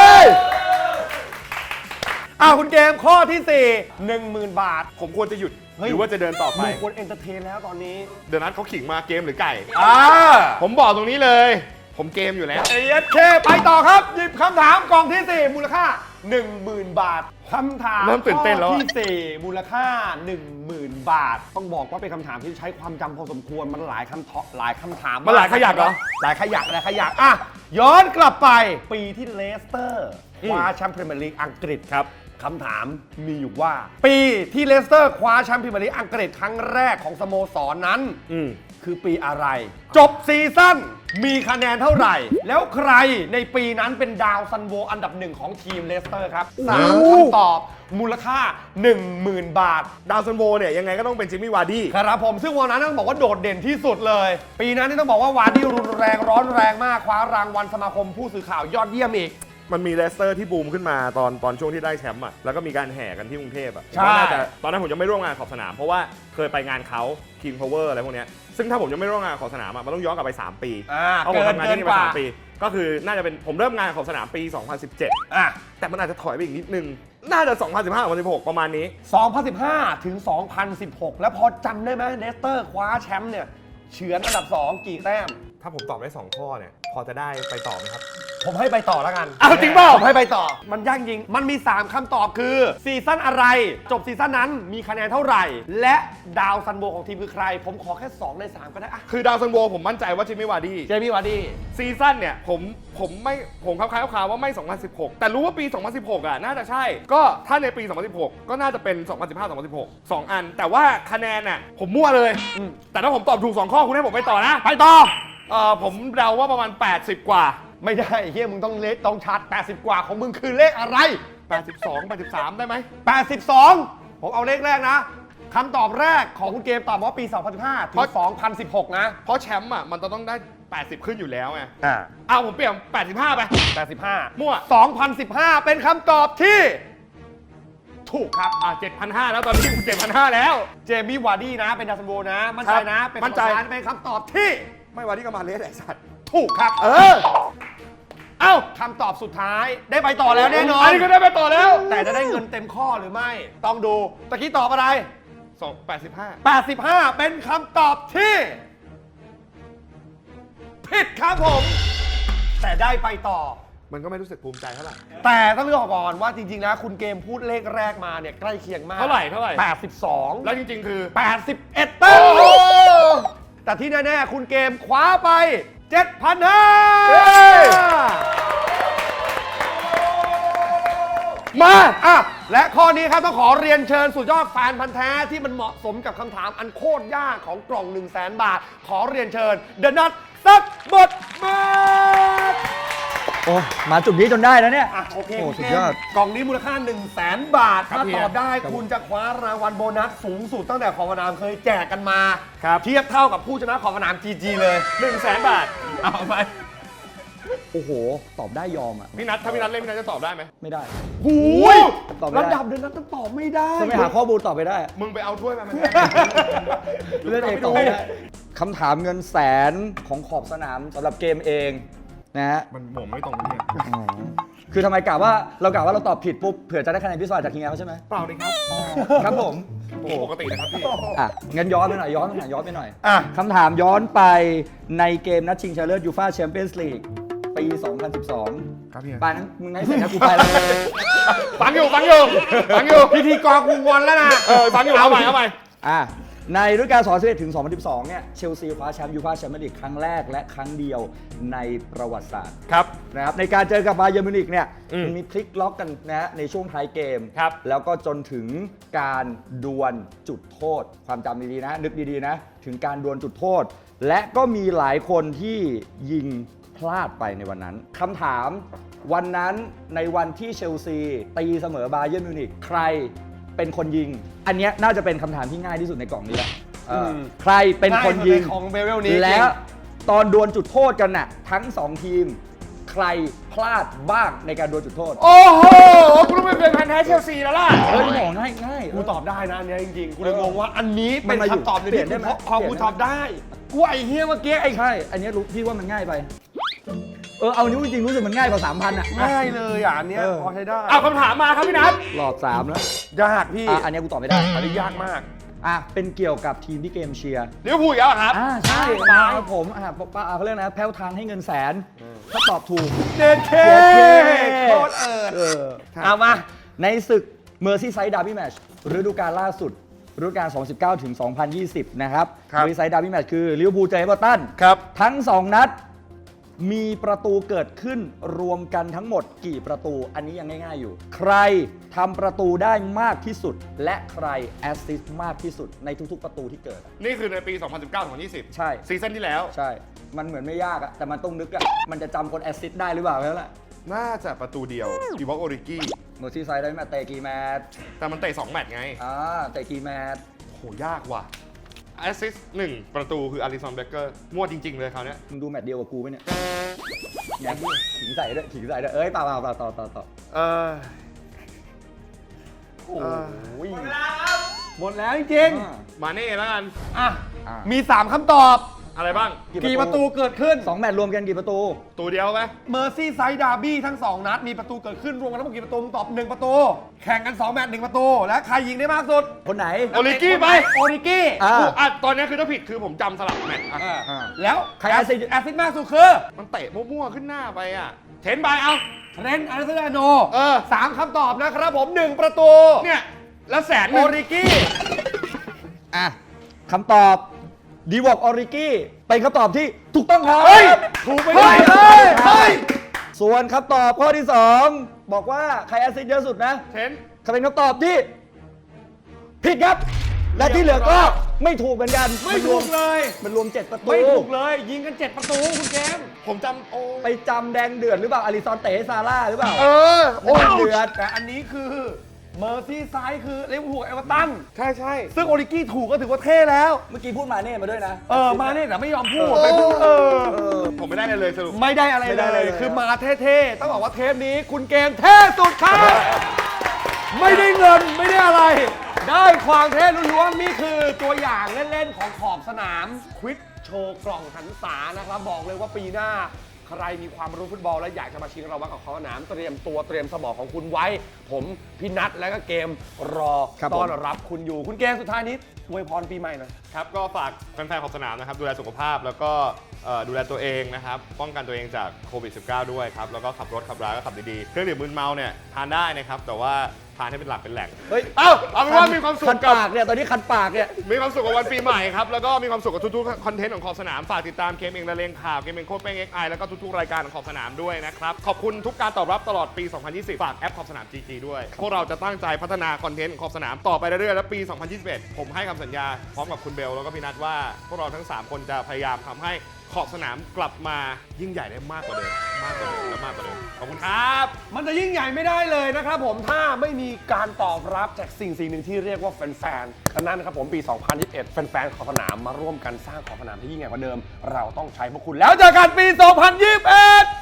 [SPEAKER 2] อ่าคุณเกมข้อที่สี่ หนึ่งหมื่น บาท
[SPEAKER 3] ผมควรจะหยุด
[SPEAKER 2] เฮ้ย
[SPEAKER 3] หรือว่าจะเดินต่อไป
[SPEAKER 2] มึงควรเอนเตอร์เทนแล้วตอนนี้
[SPEAKER 3] เดี๋ยวนัดเขาขิงมาเกมหรือไก่
[SPEAKER 2] อ่า
[SPEAKER 3] ผมบอกตรงนี้เลย ผมเกมอยู่แล้ว
[SPEAKER 2] เอเอสเคไปต่อครับ หยิบคำถามกล่องที่สี่มูลค่า หนึ่งหมื่น บาทคำถาม
[SPEAKER 3] เริ่มตื่นเต้นแล้ว
[SPEAKER 2] ข้อ
[SPEAKER 3] อะ
[SPEAKER 2] ที่สี่มูลค่า หนึ่งหมื่น บาท ต้องบอกว่าเป็นคำถามที่ใช้ความจำพอสมควรมันหลายคำตอบหลายคำถาม
[SPEAKER 3] มันหลายขยักเหรอ
[SPEAKER 2] หลายขยักหลายขยักอ่ะย้อนกลับไปปีที่เลสเตอร์คว้าแชมป์พรีเมียร์ลีกอังกฤษครับคำถามมีอยู่ว่า ปีที่เลสเตอร์คว้าแชมป์พรีเมียร์ลีกอังกฤษครั้งแรกของสโมสรนั้น
[SPEAKER 3] อืม
[SPEAKER 2] คือปีอะไร จบซีซั่นมีคะแนนเท่าไหร่ แล้วใครในปีนั้นเป็นดาวซันโวอันดับหนึ่งของทีมเลสเตอร์ครับสามคำตอบมูลค่า หนึ่งหมื่น บาท
[SPEAKER 3] ดาวซันโวเนี่ยยังไงก็ต้องเป็นจิมมี่วาร์ดี้
[SPEAKER 2] ครับผมซึ่งวันนั้นต้องบอกว่าโดดเด่นที่สุดเลย ปีนั้นนี่ต้องบอกว่าวาร์ดี้รุนแรงร้อนแรงมากคว้ารางวัลสมาคมผู้สื่อข่าวยอดเยี่ยมอีก
[SPEAKER 3] มันมีเลสเตอร์ที่บูมขึ้นมาตอนตอนช่วงที่ได้แชมป์อ่ะ แล้วก็มีการแห่กันที่กรุงเทพอ่ะ
[SPEAKER 2] ใช่
[SPEAKER 3] ผมว่าน่าจะตอนนั้นผมยังไม่ร่วมงานขอบสนาม เพราะว่าเคยไปงานเขา King Power อะไรพวกเนี้ยซึ่งถ้าผมยังไม่ร่วมงานขอบสนามอ่ะมันต้องย้อนกลับไป สาม ปี
[SPEAKER 2] อ่า
[SPEAKER 3] เพราะผม
[SPEAKER 2] เกิน
[SPEAKER 3] ทำงาน
[SPEAKER 2] เกิ
[SPEAKER 3] ที่
[SPEAKER 2] น
[SPEAKER 3] นี่
[SPEAKER 2] ก
[SPEAKER 3] มา
[SPEAKER 2] ว่า
[SPEAKER 3] สามปี ก็คือน่าจะเป็นผมเริ่มงานขอบสนามปี สองพันสิบเจ็ด
[SPEAKER 2] อ่ะ
[SPEAKER 3] แต่มันอาจจะถอยไปอีกนิดนึง น่าจะ สองพันสิบห้า สองพันสิบหก ประมาณนี้
[SPEAKER 2] สองพันสิบห้า ถึง สองพันสิบหก แล้วพอจำได้ไหมเลสเตอร์คว้าแชมป์เนี่ยเฉือนอันดับสองกี่แต้ม
[SPEAKER 3] ถ้าผมตอบได้สองข้อเนี่ยพอจะได้ไปต่อไหมครับ
[SPEAKER 2] ผมให้ไปต่อแล้วกัน
[SPEAKER 3] อ้าวจริงเปล่า
[SPEAKER 2] ผมให้ไปต่อ มันยากจริง มันมี สาม คำตอบคือ ซีซั่นอะไร จบซีซั่นนั้นมีคะแนนเท่าไหร่ และดาวซันโบของทีมคือใคร ผมขอแค่ สอง ใน สาม ก็ได้อะ
[SPEAKER 3] คือดาวซันโวผมมั่นใจว่าจิมมี่วาร์ดี้
[SPEAKER 2] เจมี่วาร์ดี้
[SPEAKER 3] ซีซั่นเนี่ยผมผมไม่ผมคล้ายๆคร่าวๆว่าไม่ สองพันสิบหก แต่รู้ว่าปี สองพันสิบหก อ่ะน่าจะใช่ ก็ถ้าในปี สองพันสิบหก ก็น่าจะเป็น สองพันสิบห้า สองพันสิบหก สอง อัน แต่ว่าคะแนนน่ะผมมั่วเลย
[SPEAKER 2] อืม
[SPEAKER 3] แต่ถ้าผมตอบถูก สอง ข้อคุณให้ผมไปต่อนะ
[SPEAKER 2] ไปต่อ
[SPEAKER 3] เอ่อผมเดาว่าประมาณ แปดสิบ กว่า
[SPEAKER 2] ไม่ได้เฮียมึงต้องเลขต้องชาร์จแปดสิบ กว่าของมึงคือเลขอะไร
[SPEAKER 3] แปดสิบสอง แปดสิบสาม ได้ไหม
[SPEAKER 2] แปดสิบสอง ผมเอาเลขแรกนะคำตอบแรกของคุณเกมตอบว่าปี สองพันสิบห้า ถึง สองพันสิบหก นะ
[SPEAKER 3] เพราะแชมป์อ่ะมันจะต้องได้ แปดสิบ ขึ้นอยู่แล้วไง
[SPEAKER 2] อ่า
[SPEAKER 3] เอาผมเปลี่ยน แปดสิบห้า ไป
[SPEAKER 2] แปดสิบห้า
[SPEAKER 3] มั่ว
[SPEAKER 2] สองพันสิบห้า เป็นคำตอบที่ ถูกครับ
[SPEAKER 3] อ่ะเจ็ดพันห้าร้อยแล้วตอนนี้ เจ็ดพันห้าร้อย แล้ว
[SPEAKER 2] เจมี่วาร์ดี้นะ เป็นดาวซันโบนะ มั่นใจนะ เป็น
[SPEAKER 3] มั่นใจ
[SPEAKER 2] คำตอบเป็นคำตอบที่
[SPEAKER 3] ไม่วาร์ดี้ก็มาเลสไอ้สัตว์
[SPEAKER 2] ถูกครับ
[SPEAKER 3] เออ เอ้า
[SPEAKER 2] คำตอบสุดท้ายได้ไปต่อแล้วแน่นอน
[SPEAKER 3] อันนี้ก็ได้ไปต่อแล้ว
[SPEAKER 2] แต่จะได้เงินเต็มข้อหรือไม่ ต้องดูตะกี้ตอบอะไร
[SPEAKER 3] สองแปดสิบห้า
[SPEAKER 2] แปดสิบห้า เป็นคำตอบที่ ผิดครับผม แต่ได้ไปต่อ
[SPEAKER 3] มันก็ไม่รู้สึกภูมิใจเท่าไหร่
[SPEAKER 2] แต่ต้องเลือกก่อนว่าจริงๆนะคุณเกมพูดเลขแรกมาเนี่ยใกล้เคียงมาก
[SPEAKER 3] เท่าไหร่เท่าไหร่
[SPEAKER 2] แปดสิบสอง
[SPEAKER 3] แล้วจริง ๆ คือ
[SPEAKER 2] แปดสิบเอ็ดแต้มแต่ที่แน่ๆคุณเกมคว้าไป เจ็ดพันห้าร้อย
[SPEAKER 3] มา
[SPEAKER 2] อ่ะและข้อนี้ครับต้องขอเรียนเชิญสุดยอดแฟนพันธ์แท้ที่มันเหมาะสมกับคำถามอันโคตรยากของกล่อง หนึ่งแสน บาท ขอเรียนเชิญเดอะนัทสักบทบาท
[SPEAKER 5] โอ้มาจุดนี้จนได้แล้วเนี่ย
[SPEAKER 2] อ่ะโอเค
[SPEAKER 5] โอ้
[SPEAKER 2] คุณ
[SPEAKER 5] สุด
[SPEAKER 2] เก
[SPEAKER 5] ยอ
[SPEAKER 2] ม
[SPEAKER 5] ด
[SPEAKER 2] กล่องนี้มูลค่า หนึ่งแสน บาท
[SPEAKER 3] ครับ
[SPEAKER 2] ถ้า
[SPEAKER 3] เฮี
[SPEAKER 2] ต
[SPEAKER 3] ย
[SPEAKER 2] อบได้
[SPEAKER 3] ครับ
[SPEAKER 2] คุณจะคว้ารางวัลโบนัสสูงสุดตั้งแต่ขอบสนามเคยแจกกันมา
[SPEAKER 3] ครับ
[SPEAKER 2] เทียบเท่ากับผู้ชนะขอบสนาม จี จี เลย
[SPEAKER 3] หนึ่งแสนบาท
[SPEAKER 2] เอาไป
[SPEAKER 5] โอ้โห ตอบได้ยอมอ่ะ
[SPEAKER 3] พี่นัทถ้าพี่นัทเล่นพี่นัทจะตอบได้ไหม
[SPEAKER 5] ไม่ได้
[SPEAKER 2] หูย
[SPEAKER 5] ตอบไม่ได้
[SPEAKER 2] ระดับเดือนนั้นต้องตอบไม่ได้
[SPEAKER 5] ถ้าไม่หาข้อมูลตอบไปได้
[SPEAKER 3] มึงไปเอาถ้วยมามัน
[SPEAKER 5] เล่นเองตอบไม่ได้คำถามเงินแสนของขอบสนามสำหรับเกมเองนะฮะ
[SPEAKER 3] มันหม่งไม่ตรงเนี่ย
[SPEAKER 5] คือทำไมกะว่าเรากะว่าเราตอบผิดปุ๊บเผื่อจะได้คะแนนพิเศษจากทีมงานเขาใช่ไหม
[SPEAKER 3] เปล่าเลยครับ
[SPEAKER 5] ครับผม
[SPEAKER 3] ผมปกตินะครับพี่
[SPEAKER 5] อ่ะงั้นย้อนไปหน่อยย้อนไปหน่อยย้อนไปหน่อย
[SPEAKER 2] อ่ะ
[SPEAKER 5] คำถามย้อนไปในเกมนัดชิงชนะเลิศยูฟ่าแชมเปี้ยนส์ลีกปี สองพันสิบสอง
[SPEAKER 2] ครับพี่
[SPEAKER 5] ปางั้นมึงให้เสร็จแล้วกูไปแล้ว
[SPEAKER 3] ฟังอยู่ฟังอยู่ฟังอยู่
[SPEAKER 2] พิธีกรกูงอนแล้วนะ
[SPEAKER 3] เออฟังอยู่เอาใหม่เอาใหม่
[SPEAKER 5] อ่ะในฤดูกาล สองพันสิบเอ็ด ถึง สองพันสิบสอง เนี่ยเชลซีคว้าแชมป์ยูฟ่าแชมเปี้ยนลีกครั้งแรกและครั้งเดียวในประวัติศาสตร์
[SPEAKER 3] ครับ
[SPEAKER 5] นะครับในการเจอกับบาเยิร์นมิวนิกเนี่ย
[SPEAKER 3] อืม
[SPEAKER 5] มันมีพลิกล็อกกันนะฮะในช่วงท้ายเกม
[SPEAKER 3] ครับ
[SPEAKER 5] แล้วก็จนถึงการดวลจุดโทษ ความจำดีๆนะ นึกดีๆนะ ถึงการดวลจุดโทษ และก็มีหลายคนที่ยิงพลาดไปในวันนั้นคำถามวันนั้นในวันที่เชลซีตีเสมอบาเยิร์นมิวนิกใครเป็นคนยิง อันเนี้ยน่าจะเป็นคำถามที่ง่ายที่สุดในกล่องนี้แหละเอออ
[SPEAKER 2] ม
[SPEAKER 5] ใครเป็นคนยิง
[SPEAKER 2] ง่ายสุดในของเบเวลนี้
[SPEAKER 5] และตอนดวลจุดโทษกันน่ะทั้งสองทีม ใครพลาดบ้างในการดวลจุดโทษ
[SPEAKER 3] โอ้โหคุณต้องเป็นพันธุ์แท้เชลซีแล้วล่ะ
[SPEAKER 5] เฮ้ยหมอง่ายง่าย
[SPEAKER 2] กูตอบได้นะอันเนี้ยจริงๆ กูเลยงงว่าอันนี้
[SPEAKER 5] มั
[SPEAKER 2] เป็น น
[SPEAKER 5] มาอยู่
[SPEAKER 2] คำตอบใน
[SPEAKER 5] เปลี่
[SPEAKER 2] ที่
[SPEAKER 5] ยนได้ไหม
[SPEAKER 2] พอ
[SPEAKER 5] เปลี่
[SPEAKER 2] กู
[SPEAKER 5] ยนได้ไหม
[SPEAKER 2] ตอบได้ กูไอ้เฮียเมื่อกี้ไอ้
[SPEAKER 5] ใช่ อันนี้รู้พี่ว่ามันง่ายไป เออเอานิ้วจริงๆรู้สึกมันง่ายกว่าสามพันอ่ะ
[SPEAKER 2] ง่ายเลยอ่ะอันเนี้ย
[SPEAKER 5] เออ
[SPEAKER 2] พอใช้ได้
[SPEAKER 3] เอาคำถามมาครับพี่นัท
[SPEAKER 5] หลอดสามแล้ว
[SPEAKER 2] ยากพี่
[SPEAKER 5] อ่ะอันนี้กูตอบไม่ได้
[SPEAKER 2] อันนี้ยากมาก
[SPEAKER 5] อ่ะเป็นเกี่ยวกับทีมที่เกมเชียร์
[SPEAKER 3] ลิเวอร์พูลอีกแล้วเหรอครับ
[SPEAKER 5] อ่าใช่
[SPEAKER 2] ตาย
[SPEAKER 5] ครับผมอ่ะปะเขาเรียกนะแพ้วทางให้เงินแสน ถ้าตอบถูก
[SPEAKER 2] เด็ดเค
[SPEAKER 5] เด็ดเค
[SPEAKER 2] โคตรเอิด
[SPEAKER 5] เออ
[SPEAKER 2] เอามา
[SPEAKER 5] ในศึกเมอร์ซี่ไซด์ดาร์บี้แมตช์ฤดูกาลล่าสุดฤดูกาล สองพันสิบเก้า ถึง สองพันยี่สิบ นะครับ
[SPEAKER 2] ครับ
[SPEAKER 5] เมอร์ซี่ไซด์ดาร์บี้แมตช์คือลิเวอร์พูลเจอเอเวอร์ตัน
[SPEAKER 2] ครับ
[SPEAKER 5] ทั้ง สอง นัด มีประตูเกิดขึ้นรวมกันทั้งหมดกี่ประตู อันนี้ยังง่ายๆอยู่ ใครทำประตูได้มากที่สุด และใครแอสซิสต์มากที่สุดในทุกๆประตูที่เกิดอะ
[SPEAKER 3] นี่คือในปี สองพันสิบเก้า สองพันยี่สิบ
[SPEAKER 5] ใช่
[SPEAKER 3] ซีซั่นที่แล้ว
[SPEAKER 5] ใช่ มันเหมือนไม่ยากอะแต่มันต้องนึกอะมันจะจำคนแอสซิสต์ได้หรือเปล่าแล้วล่ะ
[SPEAKER 3] น่าจะประตูเดียวดีวอลโอริกี้
[SPEAKER 5] เมอร์ซี่ไซด์ได้มาเตะกี่แมตช์
[SPEAKER 3] แต่มันเตะสองแมตช์ไง
[SPEAKER 5] อ่าเตะกี่แมตช์
[SPEAKER 3] โหยากว่ะแอสซิสต์หนึ่งประตูคืออาริสันเบเกอร์มั่วจริง ๆ เลยคราวเนี้ย
[SPEAKER 5] มึงดูแมตช์เดียวกับกูไหมเนี่ยเนี่ยขิงใส่ด้วยขิงใส่ด้วยเอ้ยเปล่าเปล่าเปล่าต่อต่อต่อ
[SPEAKER 3] เออ
[SPEAKER 2] โอ้ยหมดแล้วจริง
[SPEAKER 5] อ่า
[SPEAKER 3] มาเน่แล้วกัน
[SPEAKER 2] ๆอ่ะ
[SPEAKER 5] อ่ะ
[SPEAKER 2] มี สามคำตอบ
[SPEAKER 3] อะไรบ้าง
[SPEAKER 2] กี่ประตูเกิดขึ้น
[SPEAKER 5] สองแมตช์รวมกันกี่ประตู
[SPEAKER 3] ตัวเดียวไหม
[SPEAKER 2] เมอร์ซี่ไซด์ดาร์บี้ทั้ง สอง นัด มีประตูเกิดขึ้นรวมกันทั้งหมดกี่ประตูมึงตอบหนึ่งประตู แข่งกัน สอง แมตช์หนึ่งประตู และใครยิงได้มากสุด
[SPEAKER 5] คนไหน
[SPEAKER 3] โอริกี้ไป
[SPEAKER 2] โอริกี้
[SPEAKER 5] อ่า
[SPEAKER 3] อ่ะตอนนี้คือถ้าผิดคือผมจำสลับแมตช์อ่ะ
[SPEAKER 2] อ่า
[SPEAKER 5] อ่า
[SPEAKER 2] แล้ว
[SPEAKER 5] ใครแอสซิสต์
[SPEAKER 2] แอสซิสต์มากสุดคือ
[SPEAKER 3] มันเตะมั่วๆขึ้นหน้าไปอ่ะ เทนบายเอา
[SPEAKER 2] เทรนต์อาร์เซนอลโน
[SPEAKER 3] เออ
[SPEAKER 2] สามคำตอบนะครับผมหนึ่งประตู
[SPEAKER 3] เนี่ย แล้วแสนห
[SPEAKER 2] โอ
[SPEAKER 3] นึ่ง
[SPEAKER 2] ริกี้
[SPEAKER 5] อ่ะคำตอบดีวอกออริกี้เป็นคำตอบที่ถูกต้องครับ
[SPEAKER 3] เฮ้ย ถูกไปเลย
[SPEAKER 2] เฮ้ยเฮ้ย
[SPEAKER 5] ส่วนคำตอบข้อที่สองบอกว่าใครแอสซิสต์เยอะสุดนะ
[SPEAKER 3] เทน
[SPEAKER 5] เขาเป็นคำตอบที่ผิดครับ และที่เหลือก็ไม่ถูกเหมือนกัน
[SPEAKER 2] ไม่ถูกเลย
[SPEAKER 5] มันรวมเจ็ดประตู
[SPEAKER 2] ไม่ถูกเลย ยิงกัน เจ็ด ประตูคุณเกม
[SPEAKER 3] ผมจำโอ้
[SPEAKER 5] ไปจำแดงเดือดหรือเปล่าอาริซอนเตะให้ซาร่าหรือเปล่า
[SPEAKER 3] เออ
[SPEAKER 5] โอ้ยเดือด
[SPEAKER 2] แต่อันนี้คือเมอร์ซี่ไซด์คือลิเวอร์พูลเอเวอร์ตัน
[SPEAKER 3] ใช่ใช่
[SPEAKER 2] ซึ่งโอริกี้ถูกก็ถือว่าเท่แล้ว
[SPEAKER 5] เมื่อกี้พูดมาเน่มาด้วยนะ
[SPEAKER 2] เออ มาเนี่ยแต่ไม่ยอมพูด
[SPEAKER 3] เออ
[SPEAKER 2] ไปพูดเออ
[SPEAKER 5] เออ
[SPEAKER 3] ผมไม่ได้เลยเลยสรุป
[SPEAKER 2] ไม่ได้อะไร
[SPEAKER 5] ไม่ได้
[SPEAKER 2] เล
[SPEAKER 5] อะไร
[SPEAKER 2] ย
[SPEAKER 5] เลย
[SPEAKER 2] คือมาเท่ๆ ต้องบอกว่าเทปนี้คุณเกมเท่สุดครับ ไม่ได้เงินไม่ได้อะไร ได้ความเท่ล้วนๆนี่คือตัวอย่างเล่น ๆ ของขอบสนามควิกโชว์กล่องหันษานะครับ บอกเลยว่าปีหน้า ใครมีความรู้ฟุตบอลและอยากจะมาชิงรางวัลกับขอบสนามเตรียมตัวเตรียมสมองของคุณไว้ ผมพี่นัทและก็เกมรอ
[SPEAKER 5] ครับผม
[SPEAKER 2] ต้อนรับคุณอยู่คุณเกมสุดท้ายนี้อวยพรปีใหม่หน่อย
[SPEAKER 3] ครับ ก็ฝากแฟนๆของสนามนะครับ ดูแลสุขภาพแล้วก็เอ่อดูแลตัวเองนะครับ ป้องกันตัวเองจากโควิด สิบเก้า ด้วยครับ แล้วก็ขับรถขับราก็ขับดีๆ เครื่องดื่มมึนเมาเนี่ยทานได้นะครับ แต่ว่าทานให้เป็นหลักเป็นแหล่ง
[SPEAKER 5] เฮ้ย
[SPEAKER 3] เอ้า เอาเป็นว่ามีความสุข
[SPEAKER 5] คัน
[SPEAKER 3] กับ
[SPEAKER 5] ปากเนี่ยตอนนี้คันปากเนี่ย
[SPEAKER 3] มีความสุขกับวันปีใหม่ครับ แล้วก็มีความสุขกับทุกๆ คอนเทนต์ของขอบสนาม ฝากติดตามเกมเองละเลงข่าว เกมเองโคตรเป้งเอ็กไอแล้วก็ทุกๆ รายการของขอบสนามด้วยนะครับ ขอบคุณทุกการตอบรับตลอดปี สองพันยี่สิบ ฝากแอปขอบสนาม จี จี ด้วย พวกเราจะตั้งใจพัฒนาคอนเทนต์ของขอบสนามต่อไปเรื่อยๆ และปี สองพันยี่สิบเอ็ด ผมให้คำสัญญาพร้อมกับคุณเบลแล้วก็พี่นัทว่า พวกเราทั้งสามคนจะพยายามทำให้ขอบสนามกลับมายิ่งใหญ่ได้มากกว่าเดิม มากกว่าเดิมและมากกว่าเดิม ขอบคุณครับ
[SPEAKER 2] มันจะยิ่งใหญ่ไม่ได้เลยนะครับผมถ้าไม่มีการตอบรับจากสิ่งสิ่งหนึ่งที่เรียกว่าแฟนๆดังนั้นนะครับผมปี สองพันยี่สิบเอ็ด แฟนๆขอบสนามมาร่วมกันสร้างขอบสนามที่ยิ่งใหญ่กว่าเดิม เราต้องใช้พวกคุณแล้วเจอกันปี สองพันยี่สิบเอ็ด